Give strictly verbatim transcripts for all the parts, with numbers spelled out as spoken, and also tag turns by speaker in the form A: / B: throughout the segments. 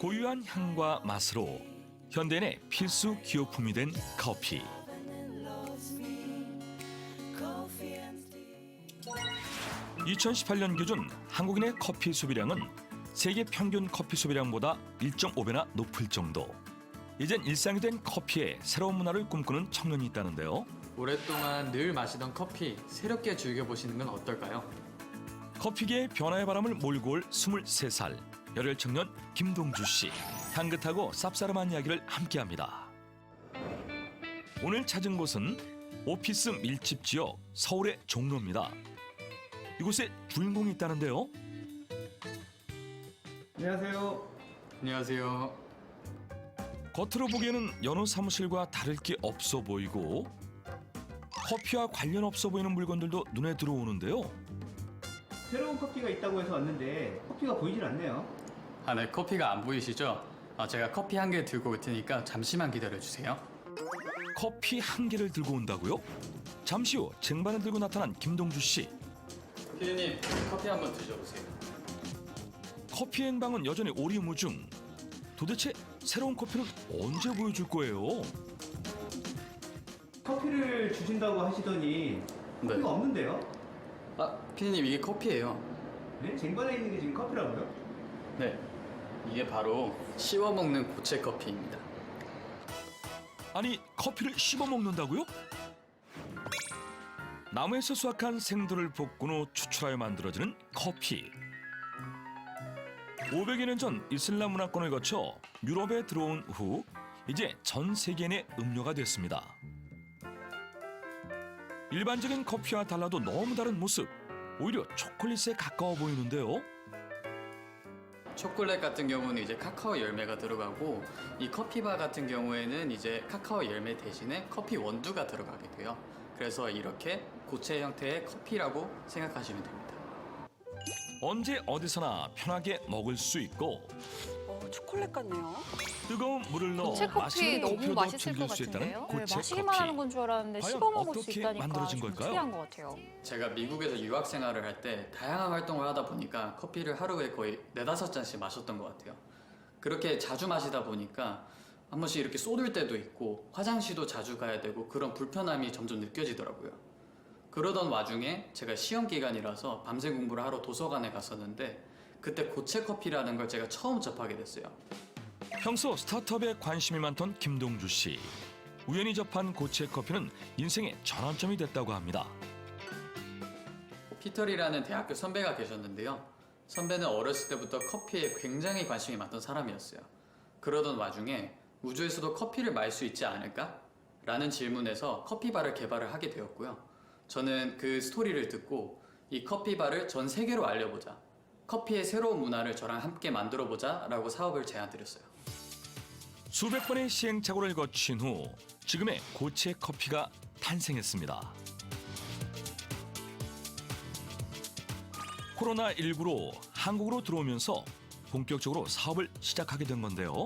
A: 고유한 향과 맛으로 현대인의 필수 기호품이 된 커피. 이천십팔 년 기준 한국인의 커피 소비량은 세계 평균 커피 소비량보다 일 점 오 배나 높을 정도. 이젠 일상이 된 커피에 새로운 문화를 꿈꾸는 청년이 있다는데요.
B: 오랫동안 늘 마시던 커피 새롭게 즐겨보시는 건 어떨까요?
A: 커피계의 변화의 바람을 몰고 올 스물세 살 열혈 청년 김동주 씨. 향긋하고 쌉싸름한 이야기를 함께합니다. 오늘 찾은 곳은 오피스 밀집 지역 서울의 종로입니다. 이곳에 주인공이 있다는데요.
C: 안녕하세요.
B: 안녕하세요.
A: 겉으로 보기에는 여느 사무실과 다를 게 없어 보이고 커피와 관련 없어 보이는 물건들도 눈에 들어오는데요.
C: 새로운 커피가 있다고 해서 왔는데 커피가 보이질 않네요.
B: 아, 네, 커피가 안 보이시죠? 아, 제가 커피 한 개 들고 올 테니까 잠시만 기다려주세요.
A: 커피 한 개를 들고 온다고요? 잠시 후 쟁반을 들고 나타난 김동주 씨.
B: 피디님, 커피 한번 드셔보세요.
A: 커피 행방은 여전히 오리무중. 도대체 새로운 커피는 언제 보여줄 거예요?
C: 커피를 주신다고 하시더니 커피가
B: 네.
C: 없는데요?
B: 아, 피디님, 이게 커피예요.
C: 네? 쟁반에 있는 게 지금 커피라고요?
B: 네, 이게 바로 씹어 먹는 고체 커피입니다.
A: 아니 커피를 씹어 먹는다고요? 나무에서 수확한 생두를 볶은 후 추출하여 만들어지는 커피. 오백여 년 전 이슬람 문화권을 거쳐 유럽에 들어온 후 이제 전 세계인의 음료가 됐습니다. 일반적인 커피와 달라도 너무 다른 모습. 오히려 초콜릿에 가까워 보이는데요.
B: 초콜릿 같은 경우는 이제 카카오 열매가 들어가고 이 커피바 같은 경우에는 이제 카카오 열매 대신에 커피 원두가 들어가게 돼요. 그래서 이렇게 고체 형태의 커피라고 생각하시면 됩니다.
A: 언제 어디서나 편하게 먹을 수 있고
D: 어, 초콜릿 같네요.
A: 뜨거운 물을 넣어
E: 고체 커피
A: 마시는
E: 너무
A: 커피로도
E: 맛있을 것
A: 즐길 수 있다는
E: 같은데요?
A: 고체
E: 네, 마시기만 하는
A: 커피.
E: 건 줄 알았는데
A: 과연
E: 씹어 먹을 수
A: 어떻게
E: 있다니까
A: 만들어진
E: 좀
A: 걸까요?
E: 특이한 것 같아요.
B: 제가 미국에서 유학 생활을 할 때 다양한 활동을 하다 보니까 커피를 하루에 거의 네다섯 잔씩 마셨던 것 같아요. 그렇게 자주 마시다 보니까 한 번씩 이렇게 쏟을 때도 있고 화장실도 자주 가야 되고 그런 불편함이 점점 느껴지더라고요. 그러던 와중에 제가 시험 기간이라서 밤새 공부를 하러 도서관에 갔었는데 그때 고체 커피라는 걸 제가 처음 접하게 됐어요.
A: 평소 스타트업에 관심이 많던 김동주 씨. 우연히 접한 고체 커피는 인생의 전환점이 됐다고 합니다.
B: 피터리라는 대학교 선배가 계셨는데요. 선배는 어렸을 때부터 커피에 굉장히 관심이 많던 사람이었어요. 그러던 와중에 우주에서도 커피를 마실 수 있지 않을까? 라는 질문에서 커피바를 개발을 하게 되었고요. 저는 그 스토리를 듣고 이 커피바를 전 세계로 알려보자. 커피의 새로운 문화를 저랑 함께 만들어보자 라고 사업을 제안드렸어요.
A: 수백 번의 시행착오를 거친 후 지금의 고체 커피가 탄생했습니다. 코로나십구로 한국으로 들어오면서 본격적으로 사업을 시작하게 된 건데요.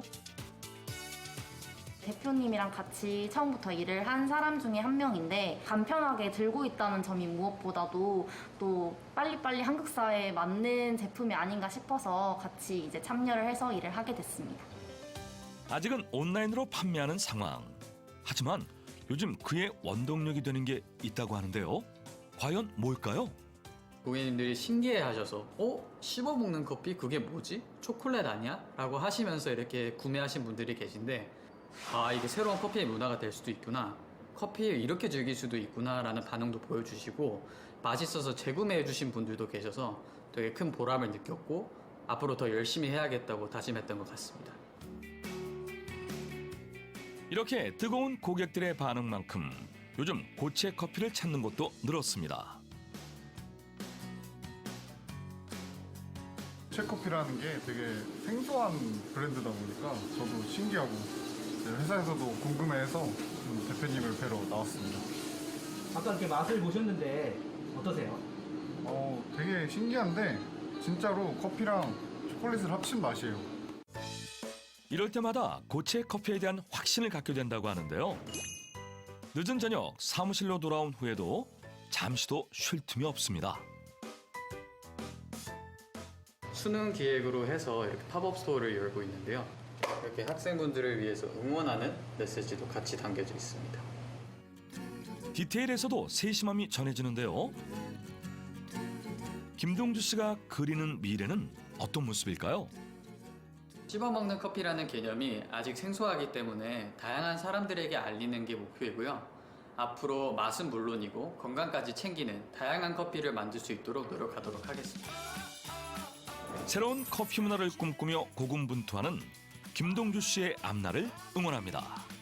F: 대표님이랑 같이 처음부터 일을 한 사람 중에 한 명인데 간편하게 들고 있다는 점이 무엇보다도 또 빨리빨리 한국 사회에 맞는 제품이 아닌가 싶어서 같이 이제 참여를 해서 일을 하게 됐습니다.
A: 아직은 온라인으로 판매하는 상황. 하지만 요즘 그의 원동력이 되는 게 있다고 하는데요. 과연 뭘까요?
B: 고객님들이 신기해하셔서 어? 씹어먹는 커피? 그게 뭐지? 초콜릿 아니야? 라고 하시면서 이렇게 구매하신 분들이 계신데 아, 이게 새로운 커피의 문화가 될 수도 있구나. 커피를 이렇게 즐길 수도 있구나 라는 반응도 보여주시고 맛있어서 재구매해 주신 분들도 계셔서 되게 큰 보람을 느꼈고 앞으로 더 열심히 해야겠다고 다짐했던 것 같습니다.
A: 이렇게 뜨거운 고객들의 반응만큼 요즘 고체 커피를 찾는 곳도 늘었습니다.
G: 고체커피라는 게 되게 생소한 브랜드다 보니까 저도 신기하고 회사에서도 궁금해해서 대표님을 뵈러 나왔습니다.
C: 아까 이렇게 맛을 보셨는데 어떠세요?
G: 어, 되게 신기한데 진짜로 커피랑 초콜릿을 합친 맛이에요.
A: 이럴 때마다 고체 커피에 대한 확신을 갖게 된다고 하는데요. 늦은 저녁 사무실로 돌아온 후에도 잠시도 쉴 틈이 없습니다.
B: 수능 기획으로 해서 이렇게 팝업 스토어를 열고 있는데요. 이렇게 학생분들을 위해서 응원하는 메시지도 같이 담겨져 있습니다.
A: 디테일에서도 세심함이 전해지는데요. 김동주 씨가 그리는 미래는 어떤 모습일까요?
B: 씹어먹는 커피라는 개념이 아직 생소하기 때문에 다양한 사람들에게 알리는 게 목표이고요. 앞으로 맛은 물론이고 건강까지 챙기는 다양한 커피를 만들 수 있도록 노력하도록 하겠습니다.
A: 새로운 커피 문화를 꿈꾸며 고군분투하는 김동주 씨의 앞날을 응원합니다.